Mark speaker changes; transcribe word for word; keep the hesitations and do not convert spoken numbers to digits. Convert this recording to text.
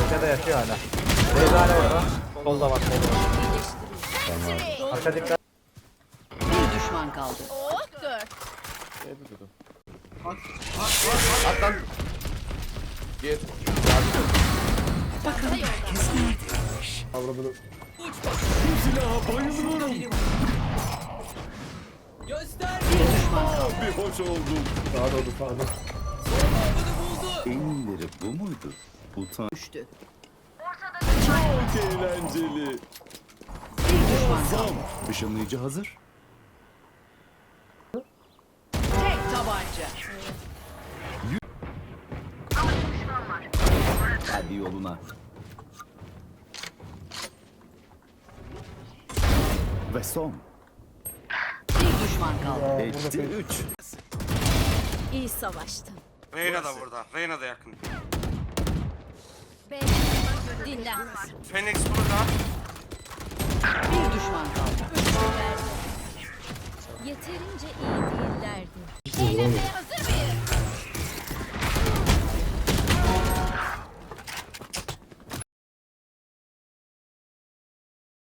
Speaker 1: Arkada yatıyor hala. Rezane orada. Solda var, solda var.
Speaker 2: Tamam.
Speaker 1: Arka dikkat.
Speaker 3: Bir düşman kaldı.
Speaker 4: Oh dört.
Speaker 5: At lan. Gir.
Speaker 3: Bakalım herkes neredeymiş.
Speaker 5: Avradını.
Speaker 3: Bir düşman kaldı.
Speaker 5: Bir hoş oldum. Sağa doğru sağa doğru.
Speaker 2: En iyileri bu muydu? Utan.
Speaker 3: Düştü.
Speaker 2: Çok eğlenceli.
Speaker 3: Bir düşman kaldı.
Speaker 2: Işınlayıcı hazır.
Speaker 3: Tek tabanca.
Speaker 2: Hadi yoluna. Ve son.
Speaker 3: Bir düşman kaldı.
Speaker 2: Etti üç.
Speaker 4: İyi savaştın.
Speaker 6: Reyna da burada. Reyna da yakın.
Speaker 4: Ben dinlen.
Speaker 6: Phoenix burada.
Speaker 3: Bir düşman kaldı.
Speaker 4: Yeterince iyi değillerdi. Eğlenmeye hazır